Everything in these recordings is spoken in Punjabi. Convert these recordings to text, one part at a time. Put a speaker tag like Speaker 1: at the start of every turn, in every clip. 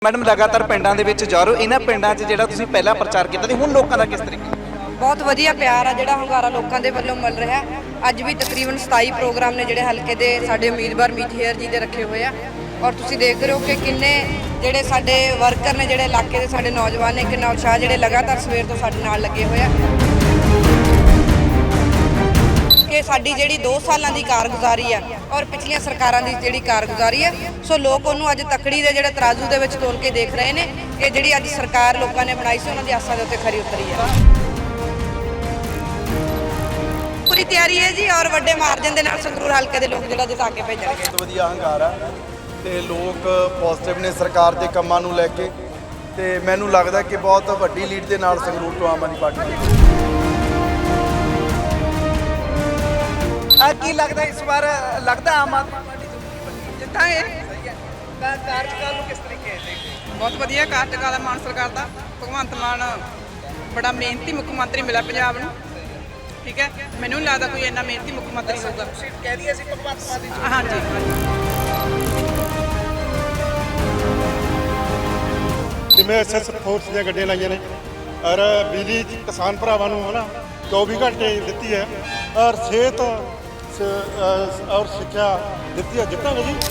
Speaker 1: मैडम लगातार पिंडां दे विच जा रहे हो, इन्हां पिंडां 'च जिहड़ा तुसीं पहला प्रचार कीता ते हुण लोकां दा किस तरीके?
Speaker 2: बहुत वधिया प्यार आ जिहड़ा ਹੁੰਗਾਰਾ ਲੋਕਾਂ ਦੇ ਵੱਲੋਂ ਮਿਲ ਰਿਹਾ। ਅੱਜ ਵੀ ਤਕਰੀਬਨ 27 ਪ੍ਰੋਗਰਾਮ ਨੇ ਜਿਹੜੇ ਹਲਕੇ ਦੇ ਸਾਡੇ ਉਮੀਦਵਾਰ ਮੀਤ ਹੇਅਰ ਜੀ ਦੇ ਰੱਖੇ ਹੋਏ ਆ ਔਰ ਤੁਸੀਂ ਦੇਖ ਰਹੇ ਹੋ ਕਿ ਕਿੰਨੇ ਜਿਹੜੇ ਸਾਡੇ ਵਰਕਰ ਨੇ ਜਿਹੜੇ ਇਲਾਕੇ ਦੇ ਸਾਡੇ ਨੌਜਵਾਨ ਨੇ ਕਿੰਨਾ ਉਤਸ਼ਾਹ ਜਿਹੜੇ ਲਗਾਤਾਰ ਸਵੇਰ ਤੋਂ ਸਾਡੇ ਨਾਲ ਲੱਗੇ ਹੋਏ ਆ ਕਿ ਸਾਡੀ ਜਿਹੜੀ 2 ਸਾਲਾਂ ਦੀ ਕਾਰਗੁਜ਼ਾਰੀ ਆ ਔਰ ਪਿਛਲੀਆਂ ਸਰਕਾਰਾਂ ਦੀ ਜਿਹੜੀ ਕਾਰਗੁਜ਼ਾਰੀ ਆ ਸੋ ਲੋਕ ਉਹਨੂੰ ਅੱਜ ਤਕੜੀ ਦੇ ਜਿਹੜੇ ਤਰਾਜ਼ੂ ਦੇ ਵਿੱਚ ਤੋਲ ਕੇ ਦੇਖ ਰਹੇ ਨੇ ਕਿ ਜਿਹੜੀ ਅੱਜ ਸਰਕਾਰ ਲੋਕਾਂ ਨੇ ਬਣਾਈ ਸੀ ਉਹਨਾਂ ਦੀ ਆਸਾਂ ਦੇ ਉੱਤੇ ਖਰੀ ਉਤਰੀ ਆ। ਪੂਰੀ ਤਿਆਰੀ ਹੈ ਜੀ ਔਰ ਵੱਡੇ ਮਾਰਜਨ ਦੇ ਨਾਲ ਸੰਗਰੂਰ ਹਲਕੇ ਦੇ ਲੋਕ ਜਿਹੜਾ ਜਿਤਾ ਕੇ ਭੇਜਣਗੇ।
Speaker 3: ਬਹੁਤ ਵਧੀਆ ਹੰਗਾਰਾ ਤੇ ਲੋਕ ਪੋਜ਼ਿਟਿਵ ਨੇ ਸਰਕਾਰ ਦੇ ਕੰਮਾਂ ਨੂੰ ਲੈ ਕੇ ਤੇ ਮੈਨੂੰ ਲੱਗਦਾ ਕਿ ਬਹੁਤ ਵੱਡੀ ਲੀਡ ਦੇ ਨਾਲ ਸੰਗਰੂਰ ਤੋਂ ਆਮ ਆਦਮੀ ਪਾਰਟੀ
Speaker 1: ਕੀ ਲੱਗਦਾ ਇਸ ਵਾਰ ਲੱਗਦਾ ਆਮ ਆਦਮੀ ਪਾਰਟੀ
Speaker 4: ਜਿੱਤਾਂਗੇ।
Speaker 1: ਸਹੀ ਹੈ ਤਾਂ ਕਾਰਜਕਾਲ ਨੂੰ ਕਿਸ ਤਰੀਕੇ ਦੇਖਦੇ?
Speaker 4: ਬਹੁਤ ਵਧੀਆ ਕਾਰਜਕਾਲ ਹੈ ਮਾਨ ਸਰਕਾਰ ਦਾ। ਭਗਵੰਤ ਮਾਨ ਬੜਾ ਮਿਹਨਤੀ ਮੁੱਖ ਮੰਤਰੀ ਮਿਲਿਆ ਪੰਜਾਬ ਨੂੰ। ਠੀਕ ਹੈ, ਮੈਨੂੰ ਨਹੀਂ ਲੱਗਦਾ ਕੋਈ ਇੰਨਾ ਮਿਹਨਤੀ ਮੁੱਖ ਮੰਤਰੀ ਹੋਊਗਾ।
Speaker 1: ਸੀਟ ਕਹਿ ਦਈਏ ਅਸੀਂ ਭਗਵੰਤ ਮਾਨ ਦੀ
Speaker 4: ਹਾਂਜੀ
Speaker 5: ਜਿਵੇਂ ਐਸਐਸ ਫੋਰਸ ਦੀਆਂ ਗੱਡੀਆਂ ਲਾਈਆਂ ਨੇ ਔਰ ਬਿਜਲੀ ਕਿਸਾਨ ਭਰਾਵਾਂ ਨੂੰ ਹੈ ਨਾ 24 ਘੰਟੇ ਦਿੱਤੀ ਹੈ ਔਰ ਸਿਹਤ ਔਰ ਸਿੱਖਿਆ ਦਿੱਤੀ ਹੈ। ਜਿੱਤਾਂਗੇ ਜੀ।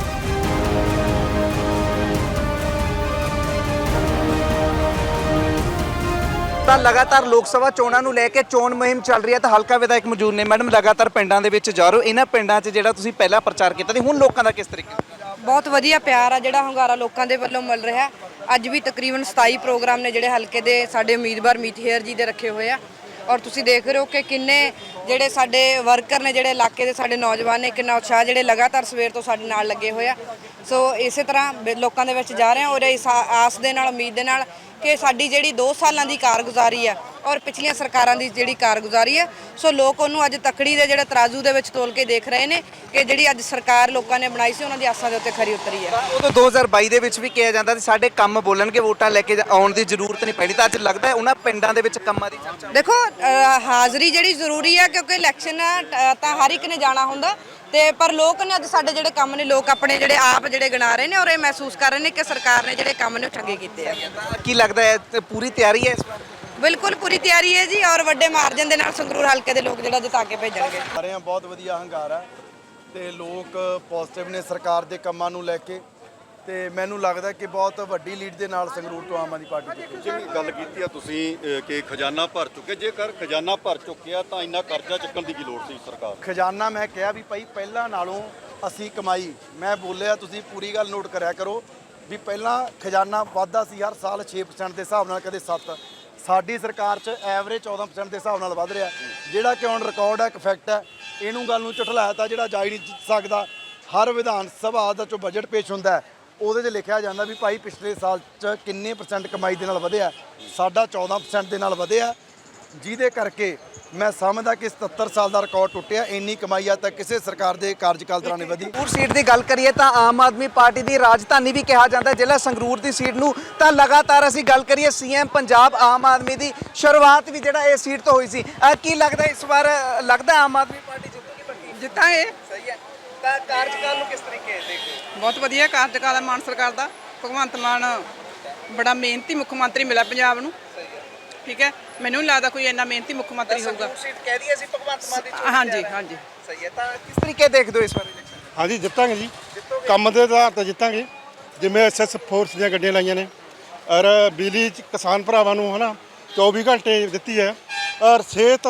Speaker 1: ਤਾਂ ਲਗਾਤਾਰ ਲੋਕ ਸਭਾ ਚੋਣਾਂ ਨੂੰ ਲੈ ਕੇ ਚੋਣ ਮੁਹਿੰਮ ਚੱਲ ਰਹੀ ਹੈ ਤਾਂ ਹਲਕਾ ਵਿਧਾਇਕ ਮੌਜੂਦ ਨੇ। ਮੈਡਮ ਲਗਾਤਾਰ ਪਿੰਡਾਂ ਦੇ ਵਿੱਚ ਜਾ ਰਹੇ ਹੋ, ਇਹਨਾਂ ਪਿੰਡਾਂ 'ਚ ਜਿਹੜਾ ਤੁਸੀਂ ਪਹਿਲਾਂ ਪ੍ਰਚਾਰ ਕੀਤਾ ਤੇ ਹੁਣ ਲੋਕਾਂ ਦਾ ਕਿਸ ਤਰੀਕੇ?
Speaker 2: ਬਹੁਤ ਵਧੀਆ ਪਿਆਰ ਆ ਜਿਹੜਾ ਹੁੰਗਾਰਾ ਲੋਕਾਂ ਦੇ ਵੱਲੋਂ ਮਿਲ ਰਿਹਾ। ਅੱਜ ਵੀ ਤਕਰੀਬਨ 27 ਪ੍ਰੋਗਰਾਮ ਨੇ ਜਿਹੜੇ ਹਲਕੇ ਦੇ ਸਾਡੇ ਉਮੀਦਵਾਰ ਮੀਤ ਹੇਅਰ ਜੀ ਦੇ ਰੱਖੇ ਹੋਏ ਆ ਔਰ ਤੁਸੀਂ ਦੇਖ ਰਹੇ ਹੋ ਕਿ ਕਿੰਨੇ ਜਿਹੜੇ ਸਾਡੇ ਵਰਕਰ ਨੇ ਜਿਹੜੇ ਇਲਾਕੇ ਦੇ ਸਾਡੇ ਨੌਜਵਾਨ ਨੇ ਕਿੰਨਾ ਉਤਸ਼ਾਹ ਜਿਹੜੇ ਲਗਾਤਾਰ ਸਵੇਰ ਤੋਂ ਸਾਡੇ ਨਾਲ ਲੱਗੇ ਹੋਏ ਆ। ਸੋ ਇਸੇ ਤਰ੍ਹਾਂ ਲੋਕਾਂ ਦੇ ਵਿੱਚ ਜਾ ਰਹੇ ਆ ਔਰ ਇਸ ਆਸ ਦੇ ਨਾਲ ਉਮੀਦ ਦੇ ਨਾਲ ਕਿ ਸਾਡੀ ਜਿਹੜੀ 2 ਸਾਲਾਂ ਦੀ ਕਾਰਗੁਜ਼ਾਰੀ ਆ ਔਰ ਪਿਛਲੀਆਂ ਸਰਕਾਰਾਂ ਦੀ ਜਿਹੜੀ ਕਾਰਗੁਜ਼ਾਰੀ ਆ ਸੋ ਲੋਕ ਉਹਨੂੰ ਅੱਜ ਤਕੜੀ ਦੇ ਜਿਹੜੇ ਤਰਾਜ਼ੂ ਦੇ ਵਿੱਚ ਤੋਲ ਕੇ ਦੇਖ ਰਹੇ ਨੇ ਕਿ ਜਿਹੜੀ ਅੱਜ ਸਰਕਾਰ ਲੋਕਾਂ ਨੇ ਬਣਾਈ ਸੀ ਉਹਨਾਂ ਦੀ ਆਸਾਂ ਦੇ ਉੱਤੇ ਖਰੀ ਉਤਰੀ ਆ।
Speaker 1: ਉਦੋਂ 2022 ਦੇ ਵਿੱਚ ਵੀ ਕਿਹਾ ਜਾਂਦਾ ਸੀ ਸਾਡੇ ਕੰਮ ਬੋਲਣਗੇ, ਵੋਟਾਂ ਲੈ ਕੇ ਆਉਣ ਦੀ ਜ਼ਰੂਰਤ ਨਹੀਂ ਪੈਣੀ, ਤਾਂ ਅੱਜ ਲੱਗਦਾ ਹੈ ਉਹਨਾਂ ਪਿੰਡਾਂ ਦੇ ਵਿੱਚ ਕੰਮਾਂ ਦੀ ਚਰਚਾ।
Speaker 2: ਦੇਖੋ ਹਾਜ਼ਰੀ ਜਿਹੜੀ ਜ਼ਰੂਰੀ ਆ ਕਿਉਂਕਿ ਇਲੈਕਸ਼ਨ ਤਾਂ ਹਰ ਇੱਕ ਨੇ ਜਾਣਾ ਹੁੰਦਾ ਤੇ ਪਰ ਲੋਕ ਨੇ ਅੱਜ ਸਾਡੇ ਜਿਹੜੇ ਕੰਮ ਨੇ ਲੋਕ ਆਪਣੇ ਜਿਹੜੇ ਆਪ ਜਿਹੜੇ ਗਿਣਾ ਰਹੇ ਨੇ ਔਰ ਇਹ ਮਹਿਸੂਸ ਕਰ ਰਹੇ ਨੇ ਕਿ ਸਰਕਾਰ ਨੇ ਜਿਹੜੇ ਕੰਮ ਨੇ ਚੰਗੇ ਕੀਤੇ ਆ।
Speaker 1: ਕੀ ਲੱਗਦਾ ਹੈ ਤੇ ਪੂਰੀ ਤਿਆਰੀ ਹੈ ਇਸ ਵਾਰ?
Speaker 2: ਬਿਲਕੁਲ ਪੂਰੀ ਤਿਆਰੀ ਹੈ ਜੀ ਔਰ ਵੱਡੇ ਮਾਰਜਨ ਦੇ ਨਾਲ ਸੰਗਰੂਰ ਹਲਕੇ ਦੇ ਲੋਕ ਜਿਹੜਾ ਜਿਤਾ ਕੇ ਭੇਜਣਗੇ।
Speaker 3: ਸਾਰੇ ਆ ਬਹੁਤ ਵਧੀਆ ਹੰਗਾਰਾ ਤੇ ਲੋਕ ਪੋਜ਼ਿਟਿਵ ਨੇ ਸਰਕਾਰ ਦੇ ਕੰਮਾਂ ਨੂੰ ਲੈ ਕੇ ਤੇ ਮੈਨੂੰ ਲੱਗਦਾ ਕਿ ਬਹੁਤ ਵੱਡੀ ਲੀਡ ਦੇ ਨਾਲ ਸੰਗਰੂਰ ਤੋਂ ਆਮ ਆਦਮੀ ਪਾਰਟੀ
Speaker 6: ਜਿਵੇਂ ਗੱਲ ਕੀਤੀ ਆ ਤੁਸੀਂ ਕਿ ਖਜ਼ਾਨਾ ਭਰ ਚੁੱਕੇ, ਜੇਕਰ ਖਜ਼ਾਨਾ ਭਰ ਚੁੱਕਿਆ ਤਾਂ ਇੰਨਾ ਕਰਜ਼ਾ ਚੱਕਣ ਦੀ ਕੀ ਲੋੜ ਸੀ ਸਰਕਾਰ?
Speaker 3: ਖਜ਼ਾਨਾ ਮੈਂ ਕਿਹਾ ਵੀ ਭਾਈ ਪਹਿਲਾਂ ਨਾਲੋਂ ਅਸੀਂ ਕਮਾਈ, ਮੈਂ ਬੋਲਿਆ ਤੁਸੀਂ ਪੂਰੀ ਗੱਲ ਨੋਟ ਕਰਿਆ ਕਰੋ ਵੀ ਪਹਿਲਾਂ ਖਜ਼ਾਨਾ ਵਾਧਾ ਸੀ ਹਰ ਸਾਲ 6% ਦੇ ਹਿਸਾਬ ਨਾਲ, ਕਦੇ 7। ਸਾਡੀ ਸਰਕਾਰ 'ਚ ਐਵਰੇਜ 14% ਦੇ ਹਿਸਾਬ ਨਾਲ ਵੱਧ ਰਿਹਾ, ਜਿਹੜਾ ਕਿ ਹੁਣ ਰਿਕਾਰਡ ਹੈ, ਇੱਕ ਫੈਕਟ ਹੈ। ਇਹਨੂੰ ਗੱਲ ਨੂੰ ਝੁਠਲਾਇਆ ਤਾਂ ਜਿਹੜਾ ਜਾ ਹੀ ਨਹੀਂ ਸਕਦਾ। ਹਰ ਵਿਧਾਨ ਸਭਾ ਦਾ ਜੋ ਬਜਟ ਪੇਸ਼ ਹੁੰਦਾ ਉਹਦੇ 'ਚ ਲਿਖਿਆ ਜਾਂਦਾ ਵੀ ਭਾਈ ਪਿਛਲੇ ਸਾਲ 'ਚ ਕਿੰਨੇ % ਕਮਾਈ ਦੇ ਨਾਲ ਵਧਿਆ। ਸਾਡਾ 14% ਦੇ ਨਾਲ ਵਧਿਆ, ਜਿਹਦੇ ਕਰਕੇ ਮੈਂ ਸਮਝਦਾ ਕਿ 77 ਸਾਲ ਦਾ ਰਿਕਾਰਡ ਟੁੱਟਿਆ। ਇੰਨੀ ਕਮਾਈ ਆ ਤਾਂ ਕਿਸੇ ਸਰਕਾਰ ਦੇ ਕਾਰਜਕਾਲ ਦੌਰਾਨ ਨਹੀਂ ਵਧੀ।
Speaker 1: ਸੰਗਰੂਰ ਸੀਟ ਦੀ ਗੱਲ ਕਰੀਏ ਤਾਂ ਆਮ ਆਦਮੀ ਪਾਰਟੀ ਦੀ ਰਾਜਧਾਨੀ ਵੀ ਕਿਹਾ ਜਾਂਦਾ ਜ਼ਿਲ੍ਹਾ ਸੰਗਰੂਰ ਦੀ ਸੀਟ ਨੂੰ। ਤਾਂ ਲਗਾਤਾਰ ਅਸੀਂ ਗੱਲ ਕਰੀਏ ਸੀਐਮ ਪੰਜਾਬ ਆਮ ਆਦਮੀ ਦੀ ਸ਼ੁਰੂਆਤ ਵੀ ਜਿਹੜਾ ਇਹ ਸੀਟ ਤੋਂ ਹੋਈ ਸੀ। ਕੀ ਲੱਗਦਾ ਇਸ ਵਾਰ ਲੱਗਦਾ ਆਮ ਆਦਮੀ ਪਾਰਟੀ ਜਿੱਤੂਗੀ?
Speaker 4: ਜਿੱਤਾਂਗੇ।
Speaker 1: ਸਹੀ ਹੈ ਤਾਂ ਕਾਰਜਕਾਲ ਨੂੰ ਕਿਸ ਤਰੀਕੇ ਦੇਖਦੇ?
Speaker 4: ਬਹੁਤ ਵਧੀਆ ਕਾਰਜਕਾਲ ਹੈ ਮਾਨ ਸਰਕਾਰ ਦਾ। ਭਗਵੰਤ ਮਾਨ ਬੜਾ ਮਿਹਨਤੀ ਮੁੱਖ ਮੰਤਰੀ ਮਿਲਿਆ ਪੰਜਾਬ ਨੂੰ। ਠੀਕ ਹੈ, ਮੈਨੂੰ ਨਹੀਂ ਲੱਗਦਾ ਕੋਈ ਇੰਨਾ ਮਿਹਨਤੀ ਮੁੱਖ ਮੰਤਰੀ ਹੋਊਗਾ।
Speaker 1: ਸੀਟ ਕਹਿ ਦਈਏ ਅਸੀਂ ਭਗਵੰਤ ਮਾਨ ਦੀ
Speaker 4: ਹਾਂਜੀ ਹਾਂਜੀ
Speaker 1: ਸਹੀ ਹੈ ਤਾਂ ਕਿਸ ਤਰੀਕੇ ਦੇਖਦੇ ਹੋ ਇਸ ਵਾਰ ਇਲੈਕਸ਼ਨ?
Speaker 5: ਹਾਂਜੀ ਜਿੱਤਾਂਗੇ ਜੀ। ਕੰਮ ਦੇ ਆਧਾਰ ਤੇ ਜਿੱਤਾਂਗੇ। ਜਿਵੇਂ ਐਸਐਸ ਫੋਰਸ ਦੀਆਂ ਗੱਡੀਆਂ ਲਾਈਆਂ ਨੇ ਔਰ ਬਿਜਲੀ ਕਿਸਾਨ ਭਰਾਵਾਂ ਨੂੰ ਹੈ ਨਾ 24 ਘੰਟੇ ਦਿੱਤੀ ਹੈ ਔਰ ਸਿਹਤ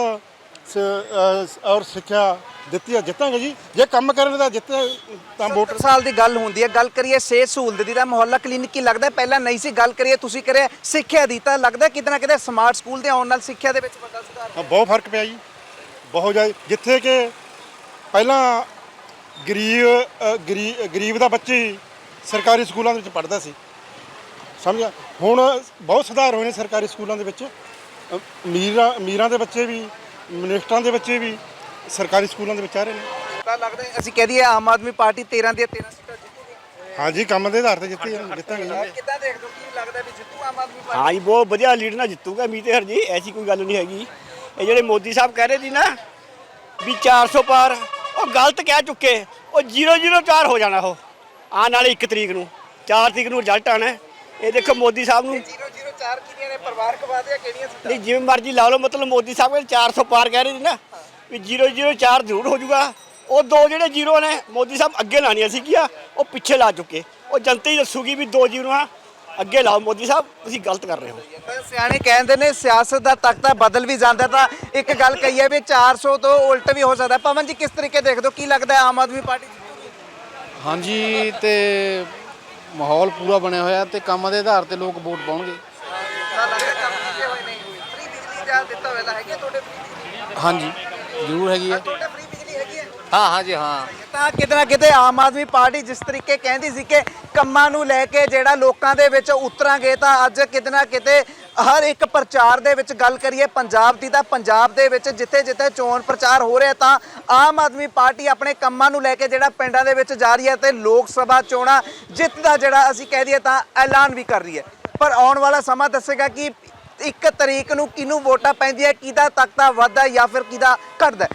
Speaker 5: ਔਰ ਸਿੱਖਿਆ ਦਿੱਤੀ ਹੈ। ਜਿੱਤਾਂਗੇ ਜੀ। ਜੇ ਕੰਮ ਕਰਨ ਦਾ ਜਿੱਤੇ ਤਾਂ ਵੋਟ।
Speaker 1: 70 ਸਾਲ ਦੀ ਗੱਲ ਹੁੰਦੀ ਹੈ। ਗੱਲ ਕਰੀਏ ਸਿਹਤ ਸਹੂਲਤ ਦੀ ਤਾਂ ਮੁਹੱਲਾ ਕਲੀਨਿਕ ਕੀ ਲੱਗਦਾ ਪਹਿਲਾਂ ਨਹੀਂ ਸੀ। ਗੱਲ ਕਰੀਏ ਤੁਸੀਂ ਕਰਿਆ ਸਿੱਖਿਆ ਦੀ ਤਾਂ ਲੱਗਦਾ ਕਿਤੇ ਨਾ ਕਿਤੇ ਸਮਾਰਟ ਸਕੂਲ ਦੇ ਆਉਣ ਨਾਲ ਸਿੱਖਿਆ ਦੇ ਵਿੱਚ ਵੱਡਾ ਸੁਧਾਰ
Speaker 5: ਬਹੁਤ ਫਰਕ ਪਿਆ ਜੀ, ਬਹੁਤ ਜ਼ਿਆਦਾ। ਜਿੱਥੇ ਕਿ ਪਹਿਲਾਂ ਗਰੀਬ ਦਾ ਬੱਚੇ ਸਰਕਾਰੀ ਸਕੂਲਾਂ ਦੇ ਵਿੱਚ ਪੜ੍ਹਦਾ ਸੀ, ਸਮਝਿਆ। ਹੁਣ ਬਹੁਤ ਸੁਧਾਰ ਹੋਏ ਨੇ ਸਰਕਾਰੀ ਸਕੂਲਾਂ ਦੇ ਵਿੱਚ। ਅਮੀਰਾਂ ਦੇ ਬੱਚੇ ਵੀ, ਮਿਨਿਸਟਰਾਂ ਦੇ ਬੱਚੇ ਵੀ ਸਰਕਾਰੀ ਸਕੂਲਾਂ ਦੇ ਵਿੱਚ ਆ ਰਹੇ ਨੇ।
Speaker 1: ਤਾਂ ਲੱਗਦਾ ਅਸੀਂ ਕਹਿ ਦਈਏ ਆਮ ਆਦਮੀ ਪਾਰਟੀ 13 ਦੀਆਂ 13 ਸੀਟਾਂ ਜਿੱਤੂਗੀ।
Speaker 5: ਹਾਂਜੀ ਕੰਮ ਦੇ ਆਧਾਰ ਤੇ ਜਿੱਤਾਂਗੇ ਜੀ।
Speaker 1: ਕਿੱਦਾਂ ਦੇਖਦੇ ਹੋ ਕੀ ਲੱਗਦਾ ਵੀ ਜਿੱਤੂ ਆਮ ਆਦਮੀ ਪਾਰਟੀ?
Speaker 7: हाँ जी बहुत बढ़िया लीड ना जितूगा मीत हर जी, ऐसी कोई गल नहीं हैगी। ये ਜਿਹੜੇ ਮੋਦੀ ਸਾਹਿਬ ਕਹਿ ਰਹੇ ਸੀ ਨਾ ਵੀ 400 ਪਾਰ, ਉਹ ਗਲਤ ਕਹਿ ਚੁੱਕੇ। ਉਹ 004 ਹੋ ਜਾਣਾ। ਉਹ ਆਉਣ ਵਾਲੀ 1 ਤਰੀਕ ਨੂੰ 4 ਤਰੀਕ ਨੂੰ ਰਿਜ਼ਲਟ ਆਉਣਾ। ਇਹ ਦੇਖੋ ਮੋਦੀ ਸਾਹਿਬ ਨੂੰ
Speaker 1: 004 ਕਿਹੜੀਆਂ ਨੇ ਪਰਿਵਾਰਕ ਵਾਅਦੇ ਕਿਹੜੀਆਂ ਸੀ
Speaker 7: ਨਹੀਂ ਜਿਵੇਂ ਮਰਜ਼ੀ ਲਾ ਲਓ, ਮਤਲਬ ਮੋਦੀ ਸਾਹਿਬ ਕਹਿੰਦੇ 400 ਪਾਰ ਕਹਿ ਰਹੇ ਸੀ ਨਾ ਵੀ 004 ਜ਼ਰੂਰ ਹੋ ਜਾਊਗਾ। ਉਹ ਦੋ ਜਿਹੜੇ ਜ਼ੀਰੋ ਨੇ ਮੋਦੀ ਸਾਹਿਬ ਅੱਗੇ ਲਾਣੀਆਂ ਸੀਗੀਆਂ, ਉਹ ਪਿੱਛੇ ਲਾ ਚੁੱਕੇ। ਉਹ ਜਨਤਾ ਹੀ ਦੱਸੂਗੀ ਵੀ 2 ਜ਼ੀਰੋਆਂ ਅੱਗੇ ਲਾਓ। ਮੋਦੀ ਸਾਹਿਬ ਤੁਸੀਂ ਗਲਤ ਕਰ ਰਹੇ ਹੋ।
Speaker 1: ਤਾਂ ਸਿਆਣੇ ਕਹਿੰਦੇ ਨੇ ਸਿਆਸਤ ਦਾ ਤਖਤਾ ਬਦਲ ਵੀ ਜਾਂਦਾ, ਤਾਂ ਇੱਕ ਗੱਲ ਕਹੀ ਹੈ ਵੀ 400 ਤੋਂ ਉਲਟ ਵੀ ਹੋ ਸਕਦਾ। ਪਵਨ ਜੀ ਕਿਸ ਤਰੀਕੇ ਦੇਖਦੇ ਹੋ, ਕੀ ਲੱਗਦਾ ਆਮ ਆਦਮੀ ਪਾਰਟੀ ਜਿੱਤੂਗੀ?
Speaker 8: ਹਾਂਜੀ, ਤੇ ਮਾਹੌਲ ਪੂਰਾ ਬਣਿਆ ਹੋਇਆ ਤੇ ਕੰਮ ਦੇ ਆਧਾਰ ਤੇ ਲੋਕ ਵੋਟ ਪਾਉਣਗੇ।
Speaker 1: ਤਾਂ ਲੱਗਦਾ ਕੰਮ ਕੀਤੇ ਹੋਏ ਨੇ। ਫ੍ਰੀ ਬਿਜਲੀ ਦਾ ਦਿੱਤਾ ਹੋਇਆ ਹੈਗੀ ਹੈ ਤੁਹਾਡੇ ਫ੍ਰੀ ਬਿਜਲੀ?
Speaker 8: ਹਾਂਜੀ ਜ਼ਰੂਰ ਹੈਗੀ ਹੈ।
Speaker 1: ਤੁਹਾਡੇ ਫ੍ਰੀ ਬਿਜਲੀ ਹੈਗੀ ਹੈ?
Speaker 8: ਹਾਂ ਜੀ ਹਾਂ।
Speaker 1: ਤਾਂ ਕਿਤੇ ਨਾ ਕਿਤੇ ਆਮ ਆਦਮੀ ਪਾਰਟੀ ਜਿਸ ਤਰੀਕੇ ਕਹਿੰਦੀ ਸੀ ਕਿ ਕੰਮਾਂ ਨੂੰ ਲੈ ਕੇ ਜਿਹੜਾ ਲੋਕਾਂ ਦੇ ਵਿੱਚ ਉਤਰਾਂਗੇ, ਤਾਂ ਅੱਜ ਕਿਤੇ ਨਾ ਕਿਤੇ ਹਰ ਇੱਕ ਪ੍ਰਚਾਰ ਦੇ ਵਿੱਚ ਗੱਲ ਕਰੀਏ ਪੰਜਾਬ ਦੀ, ਤਾਂ ਪੰਜਾਬ ਦੇ ਵਿੱਚ ਜਿੱਥੇ ਜਿੱਥੇ ਚੋਣ ਪ੍ਰਚਾਰ ਹੋ ਰਿਹਾ, ਤਾਂ ਆਮ ਆਦਮੀ ਪਾਰਟੀ ਆਪਣੇ ਕੰਮਾਂ ਨੂੰ ਲੈ ਕੇ ਜਿਹੜਾ ਪਿੰਡਾਂ ਦੇ ਵਿੱਚ ਜਾ ਰਹੀ ਹੈ ਤੇ ਲੋਕ ਸਭਾ ਚੋਣਾਂ ਜਿੱਤ ਦਾ ਜਿਹੜਾ ਅਸੀਂ ਕਹਿ ਦਈਏ ਤਾਂ ਐਲਾਨ ਵੀ ਕਰ ਰਹੀ ਹੈ। ਪਰ ਆਉਣ ਵਾਲਾ ਸਮਾਂ ਦੱਸੇਗਾ ਕਿ 1 ਤਰੀਕ ਨੂੰ ਕਿਹਨੂੰ ਵੋਟਾਂ ਪੈਂਦੀਆਂ, ਕਿਹਦਾ ਤਖਤਾ ਵੱਧਦਾ ਜਾਂ ਫਿਰ ਕਿਹਦਾ ਘਟਦਾ।